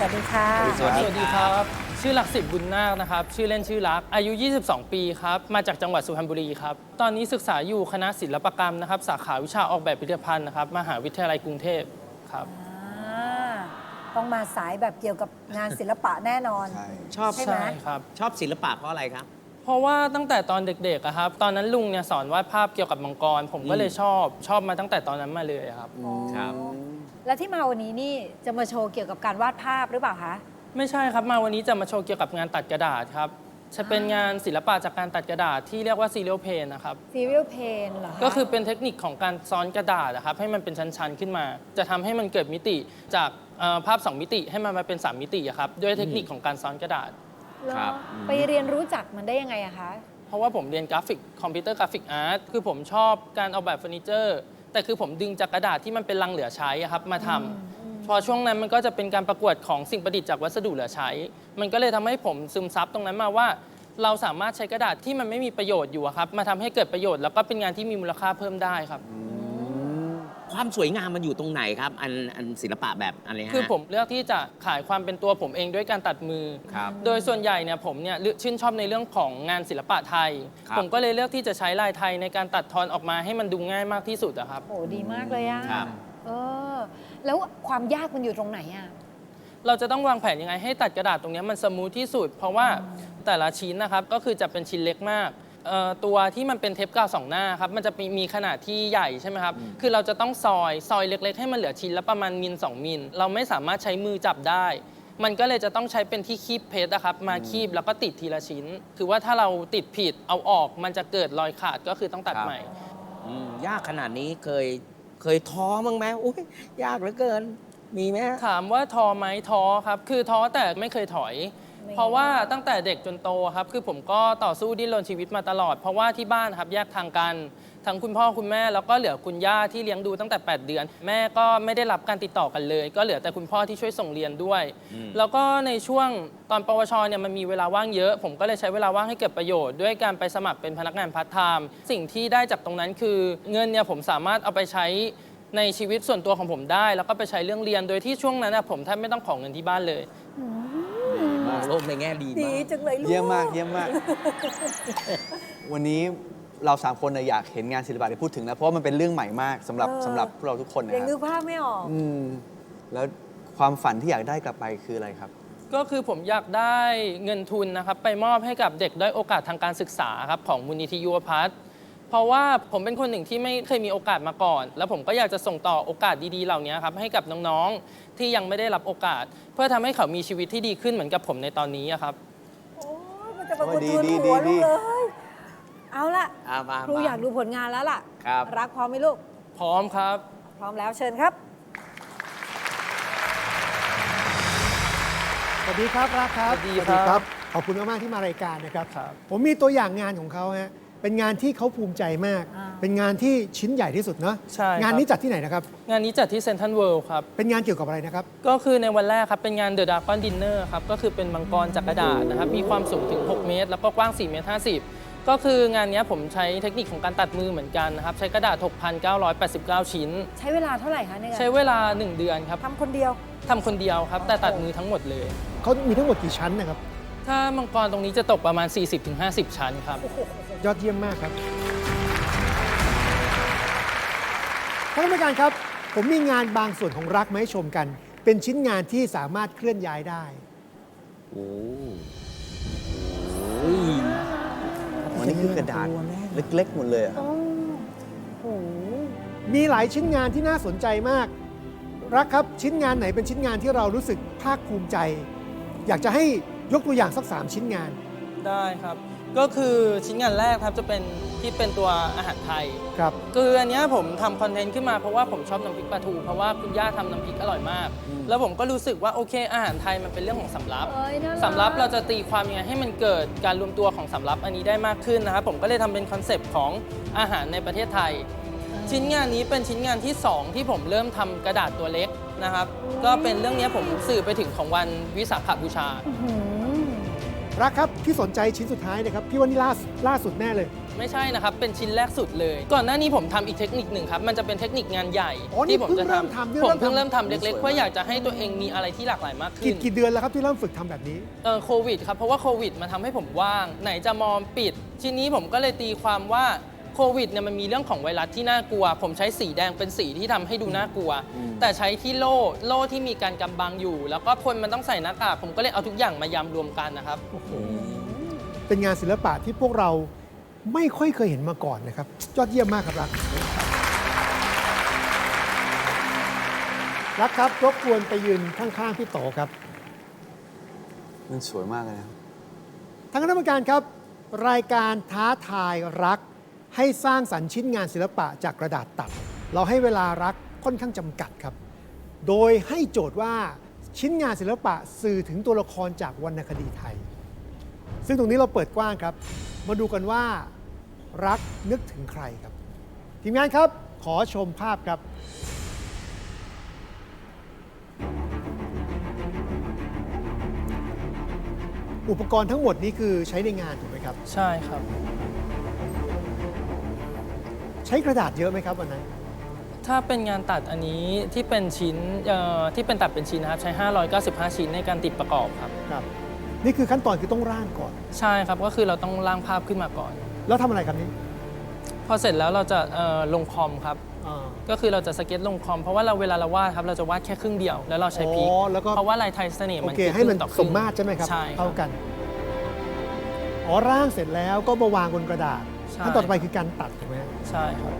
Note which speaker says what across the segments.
Speaker 1: วัสดีค่ะ
Speaker 2: สวัสดีครับชื่อหลักสิบบุญนาคนะครับชื่อเล่นชื่อรักอายุ22 ปีครับมาจากจังหวัดสุพรรณบุรีครับตอนนี้ศึกษาอยู่คณะศิลปกรรมนะครับสาขาวิชาออกแบบพิพิธภัณฑ์นะครับมหาวิทยาลัยกรุงเทพครับ
Speaker 1: ต้องมาสายแบบเกี่ยวกับงานศิลปะแน่นอน
Speaker 3: ชอบ
Speaker 1: ใช่ไหม
Speaker 2: ครับ
Speaker 3: ชอบศิลปะเพราะอะไรครับ
Speaker 2: เพราะว่าตั้งแต่ตอนเด็กๆอะครับตอนนั้นลุงเนี่ยสอนวาดภาพเกี่ยวกับมังกรผมก็เลยชอบมาตั้งแต่ตอนนั้นมาเลยครับ
Speaker 3: ครับ
Speaker 1: และที่มาวันนี้นี่จะมาโชว์เกี่ยวกับการวาดภาพหรือเปล่าคะ
Speaker 2: ไม่ใช่ครับมาวันนี้จะมาโชว์เกี่ยวกับงานตัดกระดาษครับจะเป็นงานศิลปะจากการตัดกระดาษที่เรียกว่าซีเรียลเพนนะครับ
Speaker 1: serial paint เหรอคะ
Speaker 2: ก็คือเป็นเทคนิคของการซ้อนกระดาษนะครับให้มันเป็นชั้นๆขึ้นมา จะทำให้มันเกิดมิติจากภาพ 2 มิติให้มันมาเป็น 3 มิติอะครับด้วยเทคนิคของการซ้อนกระดาษ
Speaker 1: เหรอ
Speaker 3: ครับ
Speaker 1: ไปเรียนรู้จักมันได้ยังไงอะคะ
Speaker 2: เพราะว่าผมเรียนกราฟิกคอมพิวเตอร์กราฟิกอาร์ตคือผมชอบการออกแบบเฟอร์นิเจอร์แต่คือผมดึงจากกระดาษที่มันเป็นลังเหลือใช้อะครับมาทำพอช่วงนั้นมันก็จะเป็นการประกวดของสิ่งประดิษฐ์จากวัสดุเหลือใช้ มันก็เลยทำให้ผมซึมซับตรงนั้นมาว่า เราสามารถใช้กระดาษที่มันไม่มีประโยชน์อยู่อะครับมาทำให้เกิดประโยชน์แล้วก็เป็นงานที่มีมูลค่าเพิ่มได้ครับ
Speaker 3: ความสวยงามมันอยู่ตรงไหนครับ อันศิลปะแบบอะไรฮะ
Speaker 2: คือผมเลือกที่จะขายความเป็นตัวผมเองด้วยการตัดมือ
Speaker 3: ครับ
Speaker 2: โดยส่วนใหญ่เนี่ยผมเนี่ยชื่นชอบในเรื่องของงานศิลปะไทย
Speaker 3: ครับ
Speaker 2: ผมก็เลยเลือกที่จะใช้ลายไทยในการตัดทอนออกมาให้มันดูง่ายมากที่สุดอะครับ
Speaker 1: โอ้ดีมากเลยอะ
Speaker 3: ครับ
Speaker 1: เออแล้วความยากมันอยู่ตรงไหนอะ
Speaker 2: เราจะต้องวางแผนยังไงให้ตัดกระดาษตรงนี้มันสมูทที่สุด เพราะว่าแต่ละชิ้นนะครับก็คือจะเป็นชิ้นเล็กมากตัวที่มันเป็นเทปกาว2 หน้าครับมันจะมีขนาดที่ใหญ่ใช่ไหมครับคือเราจะต้องซอยเล็กๆ ให้มันเหลือชิ้นละประมาณมิล2 มิลเราไม่สามารถใช้มือจับได้ มันก็เลยจะต้องใช้เป็นที่คีบเพชรนะครับมาคีบแล้วก็ติดทีละชิ้น คือว่าถ้าเราติดผิดเอาออกมันจะเกิดรอยขาดก็คือต้องตัดใหม่
Speaker 3: ยากขนาดนี้เคยท้อมั้งไหมอุ้ยยากเหลือเกิน มีไหมฮะ
Speaker 2: ถามว่าท้อไหมท้อครับคือท้อแต่ไม่เคยถอย เพราะว่าตั้งแต่เด็กจนโตครับคือผมก็ต่อสู้ดิ้นรนชีวิตมาตลอด เพราะว่าที่บ้านครับแยกทางกันทั้งคุณพ่อคุณแม่แล้วก็เหลือคุณย่าที่เลี้ยงดูตั้งแต่ 8 เดือน แม่ก็ไม่ได้รับการติดต่อกันเลย ก็เหลือแต่คุณพ่อที่ช่วยส่งเรียนด้วย แล้วก็ในช่วงตอนปวชเนี่ยมันมีเวลาว่างเยอะ ผมก็เลยใช้เวลาว่างให้เกิดประโยชน์ด้วยการไปสมัครเป็นพนักงานพาร์ทไทม์สิ่งที่ได้จากตรงนั้นคือเงินเนี่ยผมสามารถเอาไปใช้ในชีวิตส่วนตัวของผมได้ แล้วก็ไปใช้เรื่องเรียนโดยที่ช่วงนั้นนะผมแทบไม่ต้องขอเงินที่บ้านเลย
Speaker 3: มองโลกในแง่ดี
Speaker 1: ดี
Speaker 3: มาก
Speaker 1: จังเลยลูก
Speaker 4: เยี่ยมมากเยี่ยมมาก วันนี้เรา3 คนอยากเห็นงานศิลปะที่พูดถึงนะเพราะว่ามันเป็นเรื่องใหม่มากสำหรับพวกเราทุกคนนะ
Speaker 1: ยัง
Speaker 4: ค
Speaker 1: นึ
Speaker 4: รับ
Speaker 1: กภาพไม่ออก
Speaker 4: แล้วความฝันที่อยากได้กลับไปคืออะไรครับ
Speaker 2: ก็คือผมอยากได้เงินทุนนะครับไปมอบให้กับเด็กด้อยโอกาสทางการศึกษาครับของมูลนิธิยุวพัฒน์เพราะว่าผมเป็นคนหนึ่งที่ไม่เคยมีโอกาสมาก่อน แล้วผมก็อยากจะส่งต่อโอกาสดีๆเหล่านี้ครับให้กับน้องๆที่ยังไม่ได้รับโอกาส เพื่อทำให้เขามีชีวิตที่ดีขึ้นเหมือนกับผมในตอนนี้อะครับ
Speaker 1: โอ้ยมันจะมา
Speaker 4: โอ้
Speaker 1: ก
Speaker 4: ย
Speaker 1: ระทุน
Speaker 4: ดี
Speaker 1: หัว
Speaker 4: ดี
Speaker 1: ลูกเลย เอาละ
Speaker 3: มา
Speaker 1: ครูอยากดูผลงานแล้วล่ะ
Speaker 3: ครับ
Speaker 1: รักพร้อมไหมลูก
Speaker 2: พร้อมครับ
Speaker 1: พร้อมแล้วเชิญครับ
Speaker 5: สวัสดีครับรักครับ
Speaker 2: สวัสดีครับ
Speaker 5: ขอบคุณมาก ๆ ที่มารายการนะครับ
Speaker 2: ครับ
Speaker 5: ผมมีตัวอย่างงานของเขาฮะเป็นงานที่เขาภูมิใจมาก
Speaker 1: อ่า
Speaker 5: เป็นงานที่ชิ้นใหญ่ที่สุดเนาะ
Speaker 2: ใช่ครับ
Speaker 5: งานนี้จัดที่ไหนนะครับ
Speaker 2: งานนี้จัดที่เซนทรัลเวิลด์ครับ
Speaker 5: เป็นงานเกี่ยวกับอะไรนะครับ
Speaker 2: ก็คือในวันแรกครับเป็นงาน The Dragon Dinner ครับก็คือเป็นมังกรจากกระดาษนะครับมีความสูงถึง 6 เมตร แล้วก็กว้าง 4 เมตร 50 ก็คืองานนี้ผมใช้เทคนิคของการตัดมือเหมือนกันนะครับใช้กระดาษ 6,989 ชิ้น
Speaker 1: ใช้เวลาเท่าไหร่คะในการ
Speaker 2: ใช้เวลา 1 เดือนครับ
Speaker 1: ทำคนเดียว
Speaker 2: ทำคนเดียวครับ แต่ตัดมือทั้งหมดเลย
Speaker 5: เขามีทั้งหมดกี่ชั้นนะครับ
Speaker 2: ถ้ามังกรตรงนี้จะตกประมาณ 40-50 ชั้นครับ
Speaker 5: ยอดเยี่ยมมากครับท่านกรรมการครับ ผมมีงานบางส่วนของรักมาให้ชมกัน เป็นชิ้นงานที่สามารถเคลื่อนย้ายได้
Speaker 3: โอ้
Speaker 4: อ๋อนี่คือกระดาษเล็กๆหมดเลยอะ
Speaker 1: โอ้โห
Speaker 5: มีหลายชิ้นงานที่น่าสนใจมาก รักครับชิ้นงานไหนเป็นชิ้นงานที่เรารู้สึกภาคภูมิใจ อยากจะให้ยกตัวอย่างสัก 3 ชิ้นงาน
Speaker 2: ได้ครับ ก็คือชิ้นงานแรกครับจะเป็นที่เป็นตัวอาหารไทย
Speaker 5: ครับ
Speaker 2: คืออันเนี้ยผมทำคอนเทนต์ขึ้นมาเพราะว่าผมชอบน้ำพริกปลาทูเพราะว่าคุณย่าทำน้ำพริกอร่อยมาก แล้วผมก็รู้สึกว่าโอเคอาหารไทยมันเป็นเรื่องของสำรับ
Speaker 1: เอ้ยน่ารัก
Speaker 2: สำรับเราจะตีความยังไงให้มันเกิดการรวมตัวของสำรับอันนี้ได้มากขึ้นนะครับผมก็เลยทำเป็นคอนเซปต์ของอาหารในประเทศไทย ชิ้นงานนี้เป็นชิ้นงานที่ 2 ที่ผมเริ่มทำกระดาษตัวเล็กนะครับก็เป็นเรื่องนี้ผมสื่อไปถึงของวันวิสาขบูชา
Speaker 1: อื้อหือ
Speaker 5: รักครับที่สนใจชิ้นสุดท้ายนะครับพี่ว่านี่ล่าสุดแน่เลย
Speaker 2: ไม่ใช่นะครับ เป็นชิ้นแรกสุดเลย ก่อนหน้านี้ผมทำอีกเทคนิคหนึ่งครับ มันจะเป็นเทคนิคงานใหญ่
Speaker 5: อ๋อนี่
Speaker 2: ที่ผมจะ
Speaker 5: เพิ่งเริ่มทำเนี่ย
Speaker 2: ผมเพิ่ง
Speaker 5: เริ่
Speaker 2: เริ่
Speaker 5: ม
Speaker 2: ม
Speaker 5: ทำ
Speaker 2: ทำเล็กๆ เพื่ออยากจะให้ตัวเองมีอะไรที่หลากหลายมากขึ้น
Speaker 5: กี่เดือนแล้วครับที่เริ่มฝึกทำแบบนี้
Speaker 2: โควิดครับเพราะว่าโควิดมันทำให้ผมว่าง ไหนจะมอมปิด ทีนี้ผมก็เลยตีความว่าโควิดเนี่ยมันมีเรื่องของไวรัสที่น่ากลัว ผมใช้สีแดงเป็นสีที่ทำให้ดูน่ากลัว แต่ใช้ที่โล่ที่มีการกำบังอยู่ แล้วก็คนมันต้องใส่หน้ากากผมก็เลยเอาทุกอย่างมายำรวมกันนะครับ
Speaker 5: เป็นงานศิลปะที่พวกเราไม่ค่อยเคยเห็นมาก่อนนะครับยอดเยี่ยมมากครับรักครับรบกวนไปยืนข้างๆพี่โตครับ
Speaker 4: มันสวยมากเลยนะ
Speaker 5: ทางคณะกรรมการครับ รายการท้าทายรักให้สร้างสรรค์ชิ้นงานศิลปะจากกระดาษตัด เราให้เวลารักค่อนข้างจำกัดครับ โดยให้โจทย์ว่าชิ้นงานศิลปะสื่อถึงตัวละครจากวรรณคดีไทย ซึ่งตรงนี้เราเปิดกว้างครับ มาดูกันว่ารักนึกถึงใครครับ ทีมงานครับขอชมภาพครับ อุปกรณ์ทั้งหมดนี้คือใช้ในงานถูกไหมครับ
Speaker 2: ใช่ครับ
Speaker 5: ใช้กระดาษเยอะไหมครับวันนั้น
Speaker 2: ถ้าเป็นงานตัดอันนี้ที่เป็นชิ้นที่เป็นตัดเป็นชิ้นนะครับ ใช้ 595 ชิ้นในการติดประกอบครับ
Speaker 5: ครับ นี่คือขั้นตอนคือต้องร่างก่อน
Speaker 2: ใช่ครับก็คือเราต้องร่างภาพขึ้นมาก่อน
Speaker 5: แล้วทำอะไรครับนี่
Speaker 2: พอเสร็จแล้วเราจะลงคอมครับ
Speaker 5: อ่า
Speaker 2: ก็คือเราจะสเก็ตลงคอม เพราะว่าเวลาเราวาดครับเราจะวาดแค่ครึ่งเดียวแล้วเราใช้พริก
Speaker 5: อ๋อแล้วก็
Speaker 2: เพราะว่าลายไทยเสน่ห์
Speaker 5: โอ
Speaker 2: มัน
Speaker 5: เค
Speaker 2: คือ
Speaker 5: ให้มัน
Speaker 2: ครึ่งต่อค
Speaker 5: ส
Speaker 2: รึ่ง
Speaker 5: มมาตรใช่ไหมครับ
Speaker 2: ใช่ครั
Speaker 5: เท่า
Speaker 2: บ
Speaker 5: กัน อ๋อร่างเสร็จแล้วก็มาวางบนกระดาษ
Speaker 2: ใช่
Speaker 5: ขั้นตอนต่อไปคือการตัดถูกไหมครับ
Speaker 2: ใช่ครับ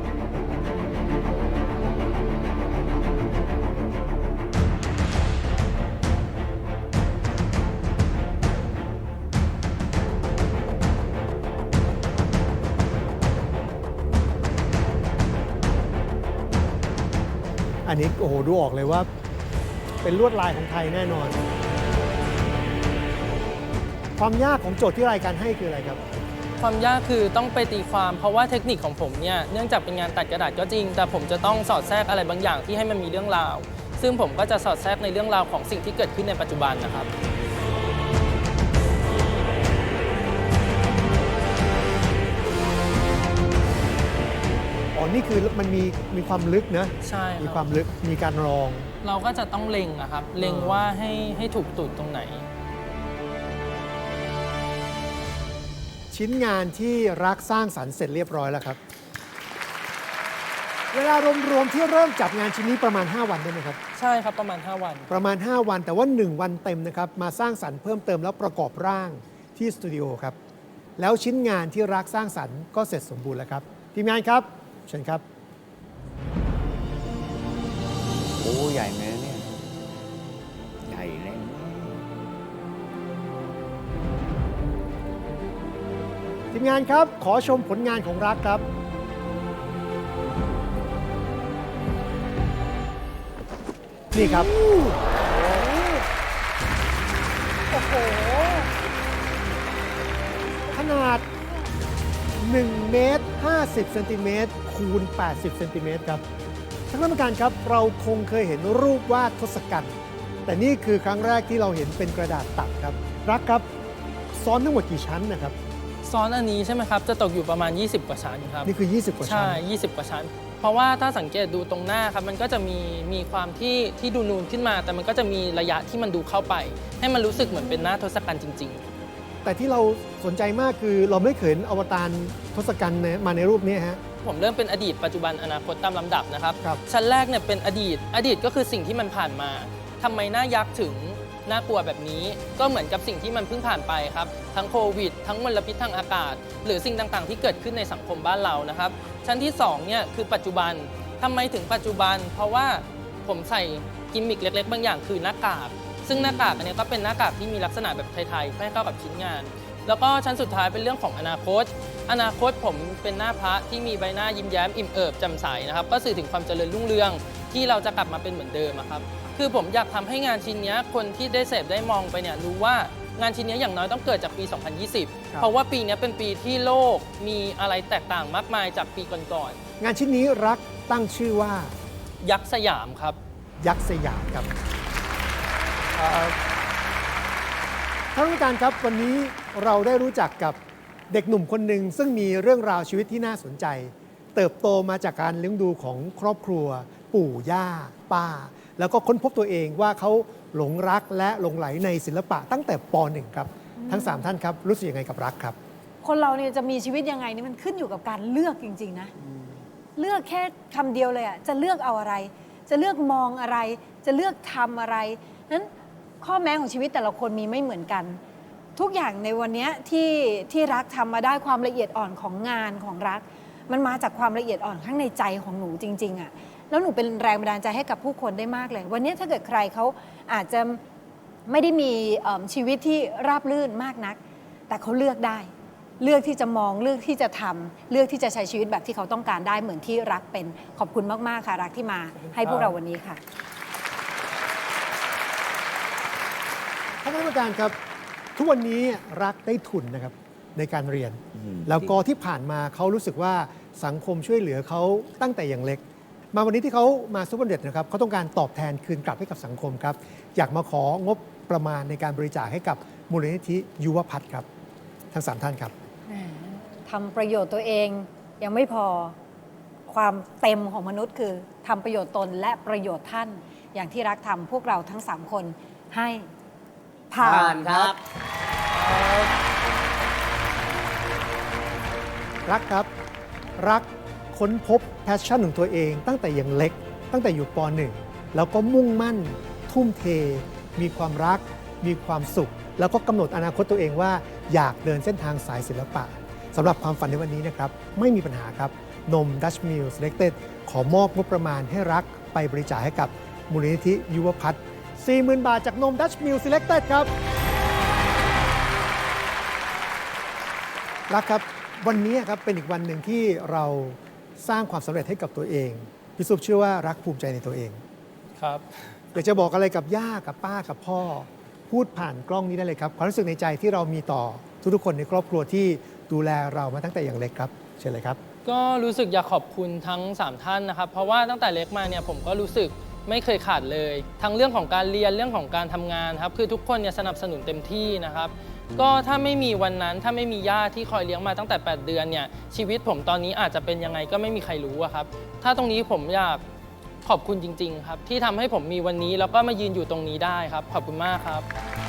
Speaker 5: อันนี้โอ้โหดูออกเลยว่า เป็นลวดลายของไทยแน่นอน ความยากของโจทย์ที่รายการให้คืออะไรครับ
Speaker 2: ความยากคือต้องไปตีความเพราะว่าเทคนิคของผมเนี่ยเนื่องจากเป็นงานตัดกระดาษก็จริง แต่ผมจะต้องสอดแทรกอะไรบางอย่างที่ให้มันมีเรื่องราว ซึ่งผมก็จะสอดแทรกในเรื่องราวของสิ่งที่เกิดขึ้นในปัจจุบันนะครับ
Speaker 5: อ๋อ นี่คือมันมีความลึกนะ
Speaker 2: ใช่
Speaker 5: มี
Speaker 2: ค
Speaker 5: ควา
Speaker 2: รับ
Speaker 5: มลึก มีการรอง
Speaker 2: เราก็จะต้องเล็งอะครับ เล็งว่าให้ถูกจุดตรงไหน
Speaker 5: ชิ้นงานที่รักสร้างสรรค์เสร็จเรียบร้อยแล้วครับ เวลารวมๆที่เริ่มจับงานชิ้นนี้ประมาณ 5 วันได้ไหมครับ
Speaker 2: ใช่ครับประมาณ 5 วัน
Speaker 5: ประมาณ 5 วันแต่ว่า 1 วันเต็มนะครับ มาสร้างสรรค์เพิ่มเติมแล้วประกอบร่างที่สตูดิโอครับ แล้วชิ้นงานที่รักสร้างสรรค์ก็เสร็จสมบูรณ์แล้วครับ ทีมงานครับ เชิญครับ
Speaker 4: โอ้ใหญ่ไหมเนี่ย
Speaker 3: ใหญ่แน่
Speaker 5: ทีมงานครับ ขอชมผลงานของรักครับ นี่ครับ
Speaker 1: โอ้โห
Speaker 5: ขนาด1เมตร50เซนติเมตรคูณ80เซนติเมตรครับท่านกรรมการครับ เราคงเคยเห็นรูปวาดทศกัณฐ์แต่นี่คือครั้งแรกที่เราเห็นเป็นกระดาษตัดครับ รักครับซ้อนทั้งหมดกี่ชั้นนะครับ
Speaker 2: ซ้อนอันนี้ใช่ไหมครับ จะตกอยู่ประมาณ 20 กว่าชั้นครับ
Speaker 5: นี่คือ 20 กว่าชั้
Speaker 2: ใช่
Speaker 5: น
Speaker 2: 20 กว่าชั้น เพราะว่าถ้าสังเกตดูตรงหน้าครับ มันก็จะมีความที่ดูนูนขึ้นมา แต่มันก็จะมีระยะที่มันดูเข้าไป ให้มันรู้สึกเหมือนเป็นหน้าทศกัณฐ์จริง
Speaker 5: แต่ที่เราสนใจมากคือเราไม่เคยเห็นอวตารทศกัณฐ์มาในรูปนี้ฮะ
Speaker 2: ๆ ผมเริ่มเป็นอดีตปัจจุบันอนาคตตามลำดับนะครับ
Speaker 5: ครับ
Speaker 2: ชั้นแรกเนี่ยเป็นอดีตก็คือสิ่งที่มันผ่านมาทำไมหน้ายักษ์ถึงน่ากลัวแบบนี้ ก็เหมือนกับสิ่งที่มันเพิ่งผ่านไปครับ ทั้งโควิด ทั้งมลพิษทางอากาศ หรือสิ่งต่างๆ ที่เกิดขึ้นในสังคมบ้านเรานะครับ ชั้นที่2เนี่ยคือปัจจุบันทำไมถึงปัจจุบัน เพราะว่าผมใส่กิมมิคเล็กๆ บางอย่างคือหน้ากาก ซึ่งหน้ากากอันนี้ก็เป็นหน้ากากที่มีลักษณะแบบไทยๆให้เข้ากับชิ้นงาน แล้วก็ชั้นสุดท้ายเป็นเรื่องของอนาคต อนาคตผมเป็นหน้าพระที่มีใบหน้ายิ้มแย้มอิ่มเอิบแจ่มใสนะครับ ก็สื่อถึงความเจริญรุ่งเรืองที่เราจะกลับมาเป็นเหมือนเดิมอะครับ คือผมอยากทำให้งานชิ้นนี้คนที่ได้เสพได้มองไปเนี่ยรู้ว่างานชิ้นนี้อย่างน้อยต้องเกิดจากปี 2020 เพราะว่าปีนี้เป็นปีที่โลกมีอะไรแตกต่างมากมายจากปีก่อน
Speaker 5: งานชิ้นนี้รักตั้งชื่อว่า
Speaker 2: ๆยักษ์สยามครับ
Speaker 5: ยักษ์สยามครับท่านผู้การครับวันนี้เราได้รู้จักกับเด็กหนุ่มคนหนึ่งซึ่งมีเรื่องราวชีวิตที่น่าสนใจ เติบโตมาจากการเลี้ยงดูของครอบครัว ปู่ย่าป้า แล้วก็ค้นพบตัวเองว่าเขาหลงรักและหลงไหลในศิลปะตั้งแต่ป .1 ครับทั้ง 3 ท่านครับรู้สึกยังไงกับรักครับ
Speaker 1: คนเราเนี่ยจะมีชีวิตยังไงนี่มันขึ้นอยู่กับการเลือกจริงๆนะเลือกแค่คำเดียวเลยอ่ะจะเลือกเอาอะไร จะเลือกมองอะไร จะเลือกทำอะไรนั้นข้อแม้ของชีวิตแต่ละคนมีไม่เหมือนกัน ทุกอย่างในวันนี้ที่รักทำมาได้ความละเอียดอ่อนของงานของรัก มันมาจากความละเอียดอ่อนข้างในใจของหนูจริงๆอ่ะแล้วหนูเป็นแรงบันดาลใจให้กับผู้คนได้มากเลย วันนี้ถ้าเกิดใครเขาอาจจะไม่ได้มีชีวิตที่ราบรื่นมากนัก แต่เขาเลือกได้ เลือกที่จะมองเลือกที่จะทำเลือกที่จะใช้ชีวิตแบบที่เขาต้องการได้เหมือนที่รักเป็นขอบคุณมากๆค่ะรักที่มาให้พวกเราวันนี้ค่ะ
Speaker 5: ท่านคณะกรรมการครับทุกวันนี้รักได้ทุนนะครับในการเรียน แล้วก็ที่ผ่านมาเขารู้สึกว่าสังคมช่วยเหลือเขาตั้งแต่อย่างเล็ก มาวันนี้ที่เขามาซุปเปอร์เด็ดนะครับเขาต้องการตอบแทนคืนกลับให้กับสังคมครับอยากมาของบประมาณในการบริจาคให้กับมูลนิธิยุวพัฒน์ครับทั้ง3ท่านครับ
Speaker 1: ทำประโยชน์ตัวเองยังไม่พอความเต็มของมนุษย์คือทำประโยชน์ตนและประโยชน์ท่าน อย่างที่รักทำพวกเราทั้ง 3 คนให้ผ่า
Speaker 3: ผ่าน
Speaker 1: น
Speaker 3: ครับ
Speaker 5: รักครับรักค้นพบแพชชั่นของตัวเองตั้งแต่ยังเล็ก ตั้งแต่อยู่ป .1 แล้วก็มุ่งมั่น ทุ่มเท มีความรัก มีความสุข แล้วก็กำหนดอนาคตตัวเองว่าอยากเดินเส้นทางสายศิลปะสำหรับความฝันในวันนี้นะครับไม่มีปัญหาครับนม Dutch Mill Selected ขอมอบงบประมาณให้รักไปบริจาคให้กับมูลนิธิยุวพัฒน์ 40,000 บาทจากนม Dutch Mill Selected ครับรักครับวันนี้ครับเป็นอีกวันหนึ่งที่เราสร้างความสำเร็จให้กับตัวเองพี่ซุปเชื่อว่ารักภูมิใจในตัวเอง
Speaker 2: ครับ
Speaker 5: อยากจะบอกอะไรกับย่ากับป้ากับพ่อ พูดผ่านกล้องนี้ได้เลยครับความรู้สึกในใจที่เรามีต่อทุกๆคนในครอบครัวที่ดูแลเรามาตั้งแต่อย่างเล็กครับเชิญเลยครับ
Speaker 2: ก็รู้สึกอยากขอบคุณทั้ง 3 ท่านนะครับ เพราะว่าตั้งแต่เล็กมาเนี่ยผมก็รู้สึกไม่เคยขาดเลย ทั้งเรื่องของการเรียนเรื่องของการทำงานครับคือทุกคนเนี่ยสนับสนุนเต็มที่นะครับ ก็ถ้าไม่มีวันนั้นถ้าไม่มีย่าที่คอยเลี้ยงมาตั้งแต่ 8 เดือนเนี่ยชีวิตผมตอนนี้อาจจะเป็นยังไงก็ไม่มีใครรู้อะครับถ้าตรงนี้ผมอยากขอบคุณจริงๆครับที่ทำให้ผมมีวันนี้แล้วก็มายืนอยู่ตรงนี้ได้ครับขอบคุณมากครับ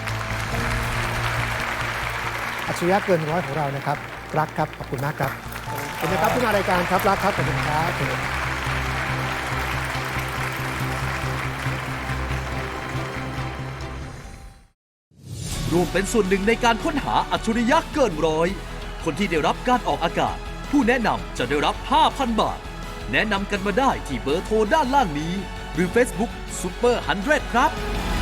Speaker 5: อัจฉริยะเกินร้อยของเรานะครับรักครับขอบคุณมากครับขอบคุณนะครับที่มารายการครับรักครับขอบคุณครับ
Speaker 6: ร่วมเป็นส่วนหนึ่งในการค้นหาอัจฉริยะเกินร้อยคนที่ได้รับการออกอากาศ ผู้แนะนำจะได้รับ 5,000 บาท แนะนำกันมาได้ที่เบอร์โทรด้านล่างนี้ หรือ Facebook Super 100 ครับ